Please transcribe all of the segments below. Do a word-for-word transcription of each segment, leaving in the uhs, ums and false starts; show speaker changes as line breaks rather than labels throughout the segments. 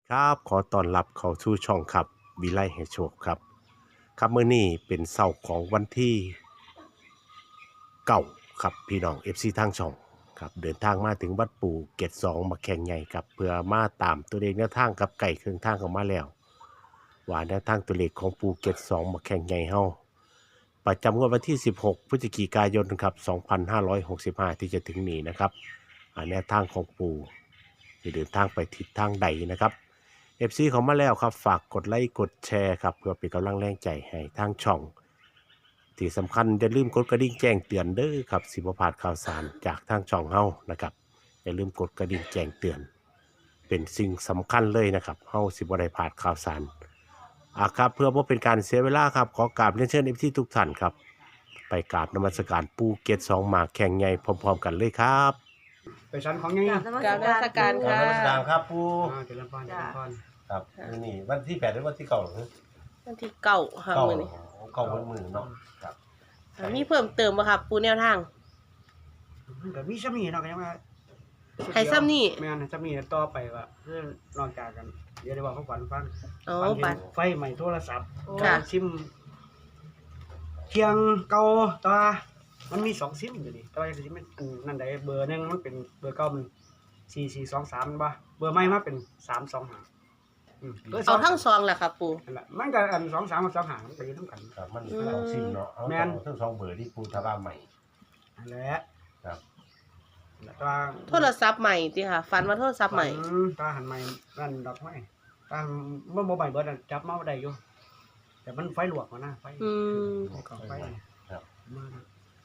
ครับขอต้อนรับเข้าสู่ช่องครับวิไลให้โชคครับครับมื้อนี้เป็นเสาร์ของวันที่เก้าครับพี่น้อง เอฟ ซี ทางช่องครับเดินทางมาถึงวัดปู่เกตสองมาแข่งใหญ่ครับเพื่อมาตามตัวเลขแนวทางกับไก่เครื่องทางของมาแล้วว่าแนวทางตัวเลขของปู่เกตสองมาแข่งใหญ่เฮาประจำงวดวันที่สิบหกพฤศจิกายนครับสองพันห้าร้อยหกสิบห้าที่จะถึงนี้นะครับแนวทางของปู่จะเดินทางไปทิศทางใดนะครับเอฟซีเขามาแล้วครับฝากกดไลค์กดแชร์ครับเพื่อเป็นกำลังแรงใจให้ทางช่องที่สำคัญอย่าลืมกดกระดิ่งแจ้งเตือนเด้อครับสิบพลาดข่าวสารจากทางช่องเฮานะครับอย่าลืมกดกระดิ่งแจ้งเตือนเป็นสิ่งสำคัญเลยนะครับเฮาสิบ่ได้พลาดข่าวสารอ่ะครับเพื่อบ่เป็นการเสียเวลาครับขอกราบเรียนเชิญเอฟซีทุกท่านครับไปกราบนมัสการปู่เกตสองมาแข่งใหญ่พร้อมๆกันเลยครับ
ไปชั้นของยังไง
กราบนมัสการ
กราบนมัสการครับปู่
อ่าเจริญพรเจริญพร
ครับนี่วันที่แปดหรือวันที่เก้าหรือ
วันที่เก้าค่ะ
เก้า
มื้อนี้
เก้าวันมือเนาะครับ
มีเพิ่มเติมบ่ครับปูแนวทาง
มันก็มีซ้ำนี่เนาะก็ยังว่า
ให้ซ้ำนี่
แม่นซ้ำนี่ต่อไปว่าเพื่อนนอกจากกันเดี๋ยวได้บอกเขาฝันฟัง
อ๋อ
ฝันเห็
บั
น
ด
ไฟใหม่โทรศัพท์
ค่ะ
ซิมเคียงเก่าแตัวามันมีสองซิมอยู่นี่แต่ว่าซิมมันอันนั่นใดเบอร์หนึงมันเป็นเบอร์เก่ามันสี่สี่สองสามบ่เบอร์ใหม่มาเป็นสามสองห้าอืมบร์ส
เอาทั้งซองแหละครับปู
นั่นแหละมันก็อันสองสามกับสองห้ามันก็อยู่นำกัน
ครับมันสองซิมเนาะเอา
แม่น
ทั้งสองเบอร์ที่ปูทาบ้าใหม่
นั่นแหละ
ครับ
แต่ว่า
โทรศัพท์ใหม่ติค่ะฝันว่าโทรศัพท์ใหม่
อืมตาหันใหม่นั่นดอกไม้ตาเมื่อโมบายเบิร์ดอะจับเมาได้อยู่แต่มันไฟลวกมานะไฟ
อืม
ก็ไฟ
ครับ
มานะ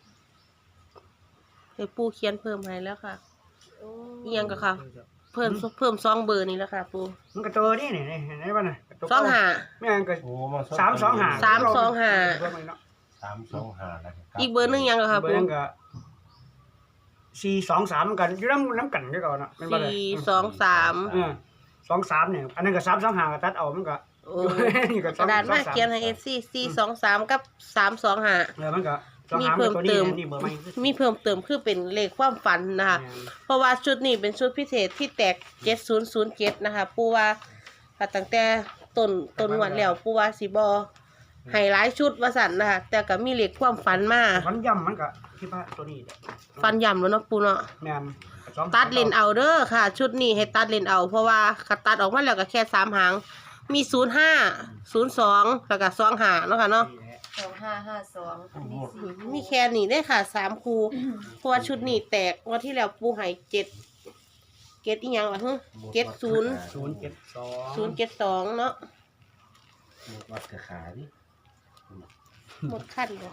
ให้ปูเขียนเพิ่มให้แล้วค่ะอีหยังก็ค่ะ เพิ่มเพิ่มซองเบอร์นี้แล้วค่ะปู
มันก็ตัวนี่นี่นี่เห็นไหมน่ะกระตัว
ซองห้า
แม่งก็
โอ้มา
สามสองห้า
สามสองห้า
สามสองห้านะครับ
อีกเบอร์หนึงยังก็ค่ะ
เบอ
ปู
ร์นึงก็สี่สองสามกันอยู่น้ำน้ำกันด้วยกันนะเป็นบ่ได้
สี่สองสาม
เออสองสามเนี่ยอันนั้นก็สามสองห้าก็ตัดเอามันก็
โอ้
นี่ก็
กระดาษมาเขียนให้ เอฟ ซี สี่สองสามกับสามสองห้า
เออมันก็สอง
มี
หา
เพิ่ม
ตัวนี้
เติม
นี่เบอร์ใหม่
มีเพิ่มเติมคือเป็นเลขความฝันนะคะ เพราะว่าชุดนี้เป็นชุดพิเศษที่แตกเจ็ดศูนย์ศูนย์เจ็ดนะคะปูว่าตั้งแต่ต้นต้นวันแล้วปูว่าสิบอให้หลายชุดว่าสันนะคะแต่ก็มีเลขความฝันมา
ฟันย่ำมันก็คิดว่าตัวนี้แหละ
ฝันย่ำแล้วเนาะปูเนาะ
แม่นสอง
ตัดเลนเอาเด้อค่ะ ชุดนี้ให้ตัดเลนเอา เพราะว่าคัดตัดออกมาแล้วก็แค่สามหางมีศูนย์ห้าศูนย์สองแล้วก็สองหาเนาะค่ะเนาะ
สองห้าห้าสองมีสี่
มีแค่นี้ได้ค่ะสามคูเพราะว่าชุดนี้แตกงวันที่แล้วปูให้เจ็ดเจ็ดอีหยังล่ะฮึเจ็ดศูนย์
ศูนย์เจ็ดสอง
ศูนย์เจ็ดสองเนาะ
วัดกระขาดิ
หมดขั้นเลย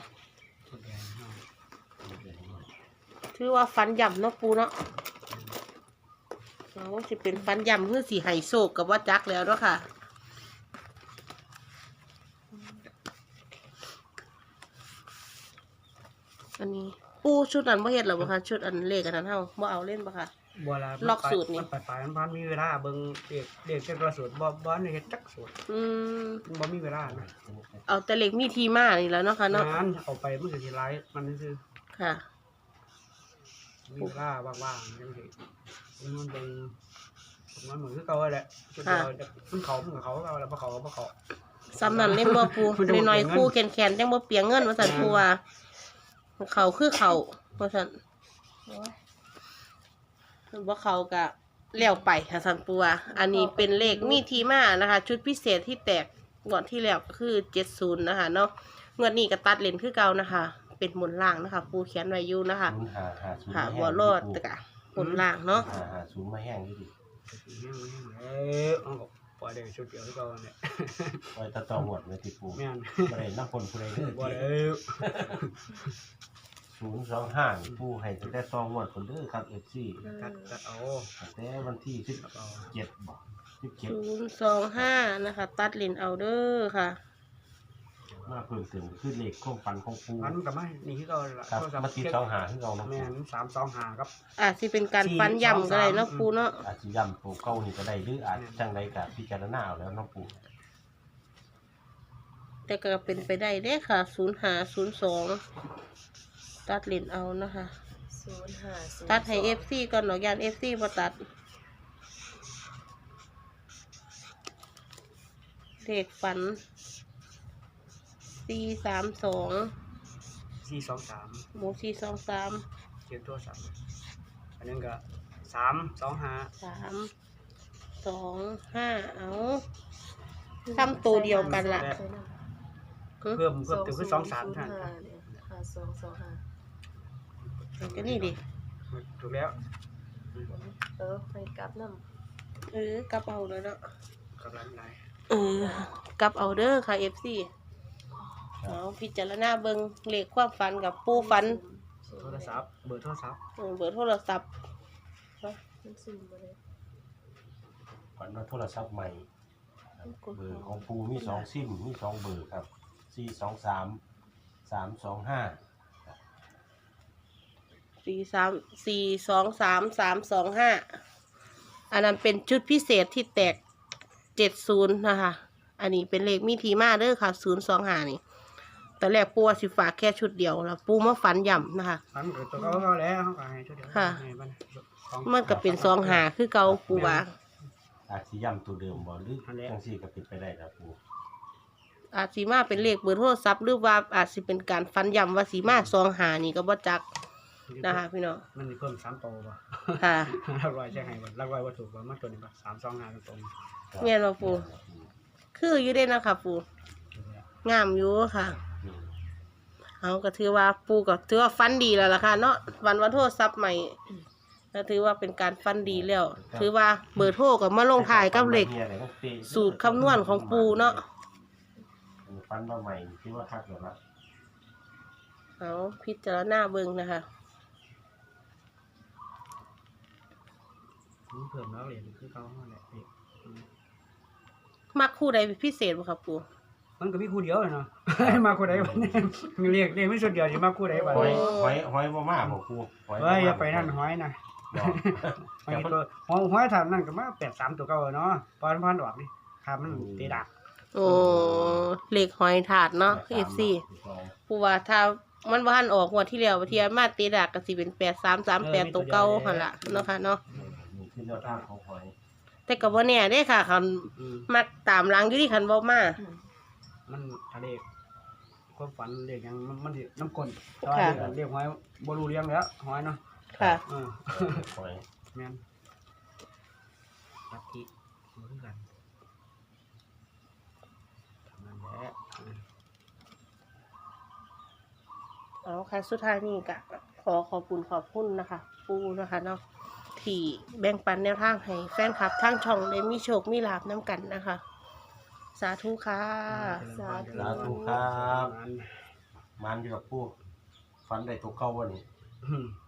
ถือว่าฟันย่ำเนาะปูเนาะเราจะเป็นฟันย่ำเพื่อสีไฮโซกกับว่าจักแล้วเนาะค่ะอันนี้ปูชุดอันบ่เฮ็ดหรอบ่คะชุดอันเลขอันนั้นเฮาบ่เอาเล่นบ่ค่ะ
บัวลา
ล็อกสูตรนี่
มันไปไปมันพันมีเวลาเบิ่งเด็กเด็กเจ้ากระสูตรบ่บ่ในเฮ็ดจักสูตร
อืม
บ่มีเวลานะ
เอาแต่เลขมีทีมานี่แล้วเนาะค่ะเนาะ
งานเอาไปมันก็สิหลายมันซื่อ
ค่ะ
มีเวลาว่างๆจังซี่มันเบิ่งมันเหมือนคือเก่าแหละจุดเดียวจะมันเขามันก็เขาเอาแล้วบ่เขาก็บ่เขา
ซ้ำนั่นเล่นบ่ปู
มันจะบ่
น้อย
เปลี่ยนเงิน
ๆคู่แขนๆจังบ่เปียงเงินว่าซั่นปูว่าเขาคือเขาว่าซั่นบ่เขาก็แล้วไปค่ะซั่นปูว่าอันนี้เป็นเลขมีทีมานะคะ ชุดพิเศษที่แตกงวดที่แล้วก็คือเจ็ดสิบนะคะเนาะงวดนี้ก็ตัดเลนคือเก่านะคะ เป็นหมุนล่างนะคะ ปูเขียนไว้อยู่นะคะ
ศูนย์ห้าห้าศูนย์
ค่ะ
มาแห้ง
บ่รอดแต่ก็หมุนล่างเนาะ
ห้าห้าศูนย์มาแห้งดิดิ
เออเอาก็ปล่อยได้ชุดเดียวคือเก่าเนี่ย
ไว้ตะตอหมดเลยที่ปู
แม่น
บ่ได้น้ำคนผู้ใดเด้อ
บ่ได้
ศูนย์สองห้าปูให้ตั้งแต่ตองหมดคนเด้อครับ เอฟ ซี
ตัดตัดเอา
ตั้งแต่วันที่สิบ
ตัดเอา
เจ็ดบ่สิบเจ็ด
ศูนย์สองห้านะคะ ตัดเลนเอาเด้อค่ะ
มาเพิ่มเติมคือเลขความฝันของปู
มันก็ไม่นี่คือเก่าล่ะ
ครับ
โทรศัพท์
มาติดสองหาคือเราเนาะ
แม่นสามสองห้าครับ
อาจสิเป็นการฟันย่ำก็ได้เนาะปูเนาะ
อาจจะย่ำตัวเก่านี่ก็ได้หรืออาจจังใดก็พิจารณาเอาแล้วเน้องปู
แต่ก็เป็นไปได้เด้ค่ะ ศูนย์ห้าศูนย์สอง ตัดเลนเอานะคะ
ศูนย์ห้าศูนย์
ตัดให้เอฟซีก่อนหนอกยานเอฟซีมาตัดเลขฝันสี่สามสอง
สี่สองสาม
หมูสี่สองสาม
เขียนตัวสามอันนั้นก็สามสองห้า
สามสองห้าเอาซ้ำตัวเดียวกันละ
เพิ่มเพิ่มตัวคือสองสามเท่านั้น
ห้าสองสองห้า
ก็นี่ดิ
ถูกแล้ว
เออไปกลับน้
เออกลับเอาเลยเนาะ
กำลังไหน
เออกลับเอาเด้อค่ะ เอฟ ซี เอาพิจารณาเบิ่งเลขความฝันกับปูฝัน
โทรศัพท์เบอร์โทรศัพท์
เออเบอร์โทรศัพท์
มันสุ่มมาเลย
ฝันว่าโทรศัพท์ใหม่ครับเบอร์ของปูมีสองซิมมีสองเบอร์ครับสี่สองสามสามสองห้า
สี่สามสี่สองสามสามสองห้าอันนั้นเป็นชุดพิเศษที่แตกเจ็ดศูนย์นะคะ อันนี้เป็นเลขมีทีมาเด้อค่ะศูนย์สองห้านี่แต่แรกปูว่าสิฝากแค่ชุดเดียวแล้วปูมาฝันย่ำนะคะ
ฝันเกิดตัวเขาเขาแล้วเขาก็ให้ชุดเดียว
ค่ะ
ให้มันสอง
มันก็เป็นสองหาคือเก่าปูว่า
อาจสิย่ำตัวเดิมบ่หรือจังซี่ก็เป็นไปได้ครับปู
อาจสิมาเป็นเลขเบอร์โทรศัพท์หรือว่าอาจสิเป็นการฝันย่ำว่าสีมาสองหานี่ก็บ่จักนะคะพี่น้อง
มันมีเพิ่มสามโตวป่ะ
ค่ะ
รักร้อยใช่ไหมบ่รักร้อยวัตถุป่ะมาตัวนี้ป่ะสามสองห้าตรง
เมียนว่าปูคืออยู่ได้นะคะปูงามอยู่ค่ะ
อืม
เอาก็ถือว่าปูก็ถือว่าฟันดีแล้วล่ะค่ะเนาะวันวันโทรศัพท์ใหม่ก็ถือว่าเป็นการฟันดีแล้ว ถือว่าเบอร์โทรก็มาลงถ่ายกับเลขสูตรคำนวณของปูเนาะ
ฟันมาใหม่คิดว่าคักแล้วละ
เอาพิจารณาเบิ่งนะคะ
มันเพิ่มแล้วเหรียญคือเขาเขาแหละพี่
มักคู่ใดเป็นพิเศษบ่ครับปู
มันก็มีคู่เดียวเลยเนาะ มาคู่ใดวันนี้เรียกเรียกไม่สุดเดียวสิมาคู่ใดบ้าง
หอยหอยหอยบ่มาบ่ครูหอยบ่
เฮ้ย
มา
อย่าไปนั่นหอยนะ
บ่
หอยตัวหอยหอยถามนั่นก็มาแปดสามตัวเก่าเนาะพอนพอนออกดิครับมันตีดัก
โอ้เลขหอยถาดเนาะ เอฟ ซี ปูว่าถ้ามันบ่ทันออกงวดที่แล้วเที่ยมาตีดักก็สิเป็นแปดสามสามแปดตัวเก่าหั่นล่ะเนาะค่ะเนาะ
นี่คือแนวทางของหอย
แต่ก็บ่แน่เด้ค่ะคัน
อืม
มักตามหลังอยู่ที่คันบ่มา
มันทะเลความฝันเรียกหยังมันมันสิน้ำกลนแต่ว่า
ค่ะ
เรียกหอยบ่รู้เรื่องแล้วหอยเนาะ
ค่ะ
เออ
หอย
แม่นลัทธิเหมือนกันนั่นแหละ
เอาค่ะสุดท้ายนี่ก็ขอขอบคุณขอบคุณนะคะ ปูนะคะเนาะที่แบ่งปันแนวทางให้แฟนคลับทางช่องได้มีโชคมีลาภน้ำกันนะคะ สาธุค่ะ
สาธุครับมันอยู่กับปูฟันได้ตัวเก่าบ่นี่
อืม